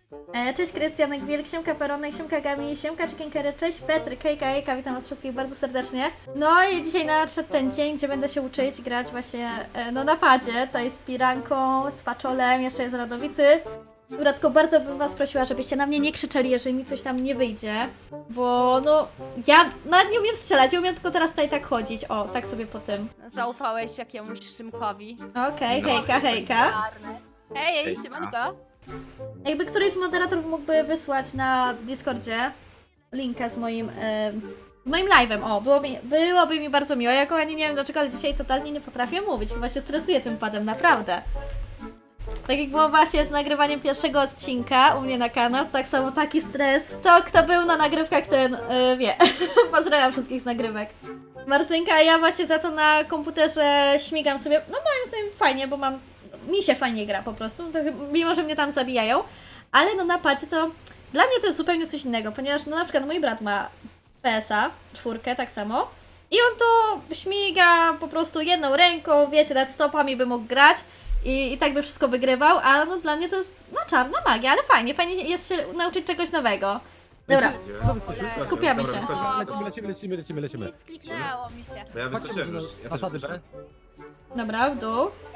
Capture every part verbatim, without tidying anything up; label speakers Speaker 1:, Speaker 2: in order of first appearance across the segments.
Speaker 1: E, cześć Krystianek Wielk, siemka Peronek, siemka Gami, siemka Chickenkery, cześć Petry, Kejka, Ejka, witam was wszystkich bardzo serdecznie. No i dzisiaj nadszedł ten dzień, gdzie będę się uczyć grać właśnie e, no na padzie, tutaj z Piranką, z Faczolem, jeszcze jest Radowity. Dobra, tylko bardzo bym was prosiła, żebyście na mnie nie krzyczeli, jeżeli mi coś tam nie wyjdzie, bo no ja nawet nie umiem strzelać, ja umiem tylko teraz tutaj tak chodzić, o, tak sobie po tym.
Speaker 2: Zaufałeś jakiemuś Szymkowi.
Speaker 1: Okej,
Speaker 3: No.
Speaker 1: hejka, hejka.
Speaker 2: Czarny. Hej, hej,
Speaker 3: Hejka.
Speaker 2: siemanko.
Speaker 1: Jakby któryś z moderatorów mógłby wysłać na Discordzie linkę z moim, e, z moim live'em, o, byłoby, byłoby mi bardzo miło. Ja kochani nie wiem dlaczego, ale dzisiaj totalnie nie potrafię mówić, chyba się stresuję tym padem, naprawdę. Tak jak było właśnie z nagrywaniem pierwszego odcinka u mnie na kanał, tak samo taki stres. To kto był na nagrywkach, ten e, wie. Pozdrawiam wszystkich z nagrywek. Martynka, a ja właśnie za to na komputerze śmigam sobie, no moim zdaniem fajnie, bo mam, mi się fajnie gra po prostu, to, mimo że mnie tam zabijają, ale no na padzie to, dla mnie to jest zupełnie coś innego, ponieważ no na przykład mój brat ma P S a, czwórkę tak samo i on to śmiga po prostu jedną ręką, wiecie, nad stopami by mógł grać i, i tak by wszystko wygrywał, a no dla mnie to jest no czarna magia, ale fajnie, fajnie jest się nauczyć czegoś nowego. Dobra,
Speaker 3: No, wyskoczył, wyskoczył.
Speaker 1: Skupiamy
Speaker 3: Dobra,
Speaker 1: się.
Speaker 3: wyskoczył.
Speaker 4: Lecimy, lecimy, lecimy, lecimy, lecimy.
Speaker 2: Nie skliknęło mi się.
Speaker 3: Bo ja wyskoczyłem już. Ja też
Speaker 4: Fasady B.
Speaker 3: wyskoczyłem.
Speaker 1: dobra, w dół.
Speaker 2: B.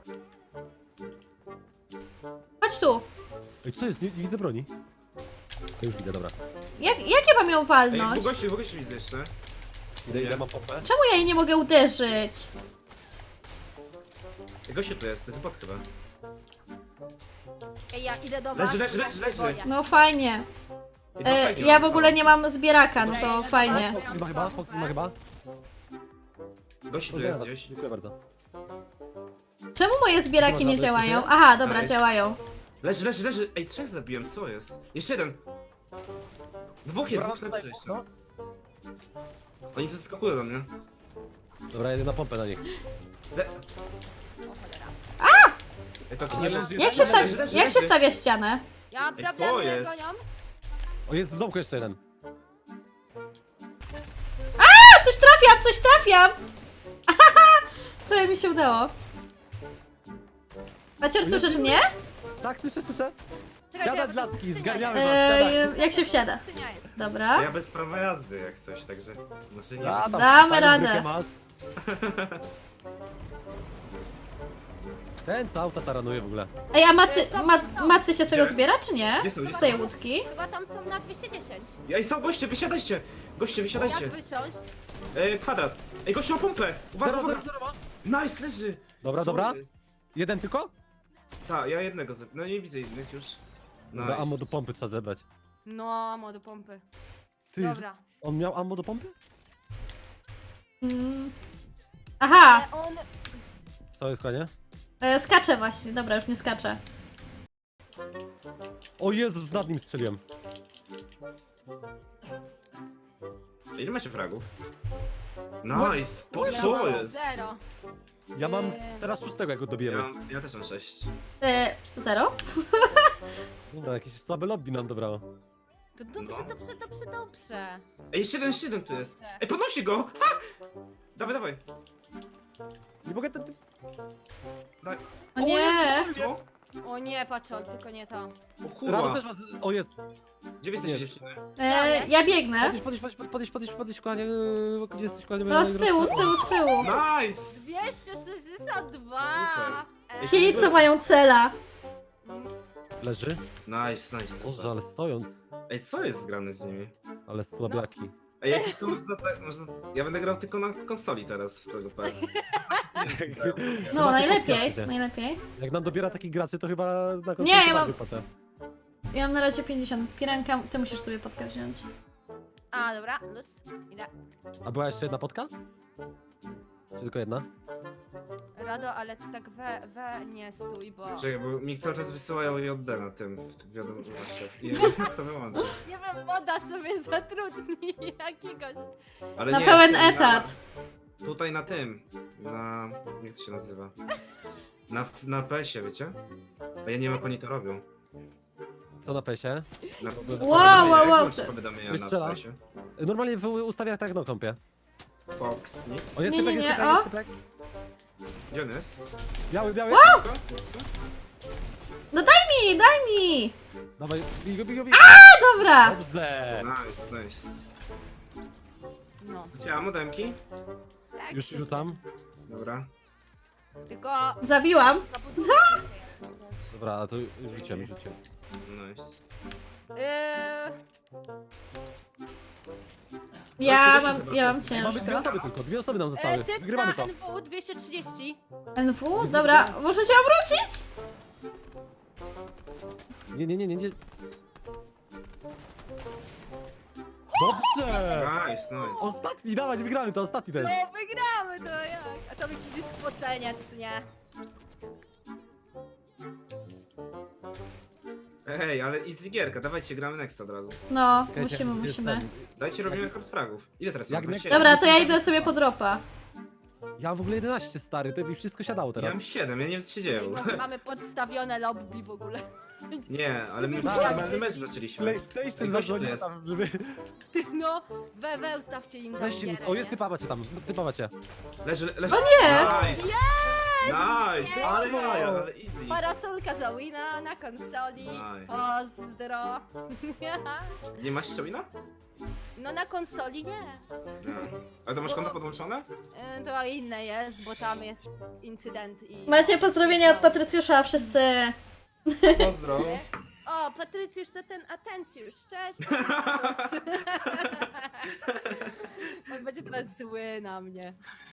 Speaker 1: Chodź tu.
Speaker 4: Ej, co jest? Nie, nie widzę broni. Ja już widzę, dobra.
Speaker 1: Jak, jak ja mam ją
Speaker 3: Ej,
Speaker 1: walnąć?
Speaker 3: w gościu, w gościu widzę jeszcze.
Speaker 4: Idę, idę, mam pompę.
Speaker 1: Czemu ja jej nie mogę uderzyć?
Speaker 3: Ej, gościu tu jest, to jest bot chyba.
Speaker 2: Ej, ja idę do was.
Speaker 3: Leży, leży,
Speaker 2: ja
Speaker 3: leży,
Speaker 2: się
Speaker 3: leży.
Speaker 2: boję.
Speaker 1: No fajnie.
Speaker 3: Ej, to
Speaker 1: E,
Speaker 3: fajnie,
Speaker 1: ja w
Speaker 3: no.
Speaker 1: ogóle nie mam zbieraka, no to fajnie.
Speaker 4: Fox ma chyba, Fox ma chyba.
Speaker 3: Gościu tu jest gdzieś.
Speaker 4: Dziękuję bardzo.
Speaker 1: Czemu moje zbieraki nie
Speaker 4: Dobra,
Speaker 1: działają?
Speaker 4: dobra,
Speaker 1: Aha, dobra,
Speaker 3: Nice.
Speaker 1: działają.
Speaker 3: Leży, leży, leży. Ej, trzech zabiłem, co jest? Jeszcze jeden. Dwóch jest, dwóch na górze jeszcze.
Speaker 4: No.
Speaker 3: Oni tu skakują do mnie.
Speaker 4: Dobra, jedę na pompę na nich.
Speaker 3: Le... Ej, to nie leży.
Speaker 1: Jak się,
Speaker 3: leży,
Speaker 1: sta
Speaker 3: leży, leży,
Speaker 1: jak się
Speaker 3: leży.
Speaker 1: stawia ścianę?
Speaker 2: Ja mam
Speaker 3: Ej, co
Speaker 2: problemy, mnie
Speaker 3: jest?
Speaker 2: gonią.
Speaker 4: O, jest w domku jeszcze jeden.
Speaker 1: A, coś trafiam, coś trafiam! Trochę mi się udało. Macior, słyszysz mnie?
Speaker 4: Tak, słyszę, słyszę.
Speaker 2: Czekajcie,
Speaker 4: Siada
Speaker 2: bo
Speaker 4: dla
Speaker 2: to
Speaker 4: ski,
Speaker 2: skrzynia
Speaker 4: zgarniamy
Speaker 2: jest.
Speaker 4: was,
Speaker 1: Eee,
Speaker 4: siadaj.
Speaker 1: jak się wsiada?
Speaker 2: Skrzynia jest.
Speaker 1: Dobra.
Speaker 3: Ja bez prawa jazdy jak coś, także... Znaczy nie
Speaker 4: A,
Speaker 3: wiem.
Speaker 4: tam
Speaker 1: Damy
Speaker 4: fajną
Speaker 1: radę.
Speaker 4: brykę masz. Ten co auta taranuje w ogóle.
Speaker 1: Ej, a macy,
Speaker 2: Są,
Speaker 1: ma,
Speaker 2: są.
Speaker 1: macy się z tego
Speaker 3: Gdzie?
Speaker 1: zbiera, czy nie?
Speaker 3: Gdzie są, gdzie
Speaker 1: Z tej
Speaker 3: są?
Speaker 1: łódki?
Speaker 2: Chyba tam są na dwieście dziesięć.
Speaker 3: Ej, są goście, wysiadajcie! Goście, wysiadajcie!
Speaker 2: Jak wysiąść?
Speaker 3: Ej, kwadrat! Ej, gościu ma pompę! Uwaga,
Speaker 4: Zero,
Speaker 3: uwaga!
Speaker 4: zero, zero.
Speaker 3: Nice, leży!
Speaker 4: Dobra,
Speaker 3: Co
Speaker 4: dobra.
Speaker 3: jest?
Speaker 4: Jeden tylko?
Speaker 3: Tak, ja jednego zep... No nie widzę innych już.
Speaker 4: Dobra,
Speaker 3: Nice.
Speaker 4: ammo do pompy trzeba zebrać.
Speaker 2: No, mo do pompy.
Speaker 4: Ty,
Speaker 2: Dobra.
Speaker 4: on miał ammo do pompy?
Speaker 1: Mm. Aha,
Speaker 2: Ale on...
Speaker 4: Co jest, konie?
Speaker 1: e, skaczę właśnie. Dobra, już nie skaczę.
Speaker 4: O Jezus, nad nim strzeliłem.
Speaker 3: Ile macie fragów? Nice! Po
Speaker 2: Ja
Speaker 3: co
Speaker 2: mam
Speaker 3: jest?
Speaker 2: Zero.
Speaker 4: Ja mam
Speaker 2: Eee.
Speaker 4: teraz szóstego, jak go
Speaker 3: Ja,
Speaker 4: dobijemy.
Speaker 3: mam, ja też mam sześć.
Speaker 1: E, zero?
Speaker 4: Dobra, jakieś słabe lobby nam dobrało.
Speaker 2: To dobrze,
Speaker 3: No.
Speaker 2: dobrze, dobrze, dobrze.
Speaker 3: Ej, jeszcze jeden, jeszcze jeden tu jest. Ej, podnosi go! Ha! Dawaj, dawaj.
Speaker 4: Nie mogę... Ten...
Speaker 3: dawaj.
Speaker 1: O nie!
Speaker 3: Co?
Speaker 2: O nie, patrzol, tylko nie to.
Speaker 3: O
Speaker 4: Rano
Speaker 3: kurwa.
Speaker 4: też ma... O, jest.
Speaker 3: Gdzie wy jesteście
Speaker 4: Nie.
Speaker 3: dziewczyny?
Speaker 1: E, ja biegnę.
Speaker 4: Podnieś, podnieś, podnieś, podnieś, podnieś, podnieś, kochanie. Yy, Gdzie jesteś, kochanie?
Speaker 1: No z tyłu, z tyłu, z tyłu.
Speaker 3: Nice!
Speaker 2: dwieście sześćdziesiąt dwa!
Speaker 3: Super.
Speaker 2: E,
Speaker 1: Ci, co mają cela.
Speaker 4: Leży.
Speaker 3: Nice, nice.
Speaker 4: Boże,
Speaker 3: Super.
Speaker 4: ale stoją.
Speaker 3: Ej, co jest grane z nimi?
Speaker 4: Ale słabiaki.
Speaker 3: Ej, ja gdzieś to można, tak- można... Ja będę grał tylko na konsoli teraz w tego P S.
Speaker 1: No,
Speaker 4: Zobaczcie,
Speaker 1: najlepiej,
Speaker 4: podpiącie.
Speaker 1: najlepiej.
Speaker 4: Jak nam dobiera takich graczy, to chyba na konsolę
Speaker 1: Nie, ja
Speaker 4: to
Speaker 1: mam-
Speaker 4: wypłatę.
Speaker 1: Ja mam na razie pięćdziesiąt. Piranka, ty musisz sobie podkę wziąć.
Speaker 2: A, dobra, luz, idę.
Speaker 4: A była jeszcze jedna potka? Czy tylko jedna?
Speaker 2: Rado, ale ty tak we, we nie stój, bo...
Speaker 3: Czekaj, bo mi cały czas wysyłają J D na tym, w wiadomościach. I nie wiem jak to wyłączyć.
Speaker 2: Nie wiem, moda sobie zatrudni jakiegoś.
Speaker 3: Ale
Speaker 1: Na
Speaker 3: nie,
Speaker 1: pełen
Speaker 3: tym,
Speaker 1: etat.
Speaker 3: Na, tutaj na tym. Na... jak to się nazywa? Na, na P S ie, wiecie? A ja nie wiem jak oni to robią.
Speaker 4: Co na pesie?
Speaker 3: Na,
Speaker 1: Wow, wow, wow.
Speaker 3: Jak powiadomienia
Speaker 4: Już
Speaker 3: na
Speaker 4: strzela.
Speaker 3: P S ie?
Speaker 4: Normalnie w ustawiach tak no kąpie.
Speaker 3: Fox, nic.
Speaker 4: O, jest
Speaker 1: Nie,
Speaker 4: typek,
Speaker 1: nie,
Speaker 4: jest
Speaker 1: nie,
Speaker 4: typek,
Speaker 1: o.
Speaker 4: jest typek.
Speaker 3: Gdzie on jest?
Speaker 4: Biały, biały.
Speaker 3: Blisko? Blisko?
Speaker 1: No daj mi, daj mi!
Speaker 4: Dawaj, bigo, bigo, bigo.
Speaker 1: Dobra!
Speaker 4: Dobrze.
Speaker 3: Nice, nice.
Speaker 2: No.
Speaker 3: Cię, modemki?
Speaker 2: Tak,
Speaker 4: Już ci rzucam.
Speaker 3: Dobra.
Speaker 2: Tylko
Speaker 1: Zabiłam.
Speaker 2: zabudujcie się.
Speaker 4: Dobra, a to już rzuciłem, już rzuciłem.
Speaker 3: Nice.
Speaker 2: Yy,
Speaker 1: Ja
Speaker 3: Weźcie,
Speaker 1: mam,
Speaker 3: weźcie
Speaker 1: ja mam
Speaker 3: chyba
Speaker 4: Mamy dwie
Speaker 1: ciężko.
Speaker 4: osoby tylko, dwie osoby nam
Speaker 2: e,
Speaker 4: zostały.
Speaker 2: typ
Speaker 4: Wygrywamy
Speaker 2: na
Speaker 4: to.
Speaker 2: N W dwieście trzydzieści.
Speaker 1: N W? Dobra, muszę się obrócić?
Speaker 4: Nie, nie, nie, nie, nie. Dobrze!
Speaker 3: Nice, nice.
Speaker 4: Ostatni, dawać, wygramy to, ostatni ten.
Speaker 2: No wygramy to jak? A to jakiś jest spoceniec, nie?
Speaker 3: Ej, ale easy gierka, dawajcie, gramy next od razu.
Speaker 1: No,
Speaker 4: Czekajcie,
Speaker 1: musimy,
Speaker 4: jest
Speaker 1: musimy.
Speaker 4: ten.
Speaker 3: Dajcie, robimy kart fragów. Ile teraz
Speaker 4: Jak
Speaker 3: mam?
Speaker 4: next-
Speaker 3: dwadzieścia
Speaker 1: Dobra, to ja idę sobie po dropa.
Speaker 4: Ja mam w ogóle jedenaście, stary, to mi wszystko siadało
Speaker 3: Ja
Speaker 4: teraz.
Speaker 3: mam siedem, ja nie wiem co się
Speaker 2: I
Speaker 3: dzieje.
Speaker 2: może mamy podstawione lobby w ogóle.
Speaker 3: Nie, ale my
Speaker 2: Sobie
Speaker 3: normalny
Speaker 2: zjadźcie.
Speaker 3: mecz zaczęliśmy.
Speaker 4: PlayStation
Speaker 3: Ej, gościu
Speaker 4: zadzwonił
Speaker 3: jest.
Speaker 4: tam, żeby...
Speaker 2: No, we, we ustawcie im tam
Speaker 4: Weźcie,
Speaker 2: gierę,
Speaker 4: o jest
Speaker 2: nie?
Speaker 4: typa macie tam, typa macie.
Speaker 3: Leży, leży.
Speaker 1: O nie!
Speaker 3: Nice! Nice! Ale jaja, ale easy.
Speaker 2: Parasolka za wina na konsoli.
Speaker 3: Nice.
Speaker 2: Pozdro.
Speaker 3: Nie masz jeszcze wina?
Speaker 2: No na konsoli nie.
Speaker 3: Nie. Ale to masz konto podłączone?
Speaker 2: Y, To inne jest, bo tam jest incydent i...
Speaker 1: Macie pozdrowienia od Patrycjusza, wszyscy.
Speaker 3: Pozdro.
Speaker 2: O, Patrycjusz to ten Atencjusz, cześć. On będzie teraz zły na mnie.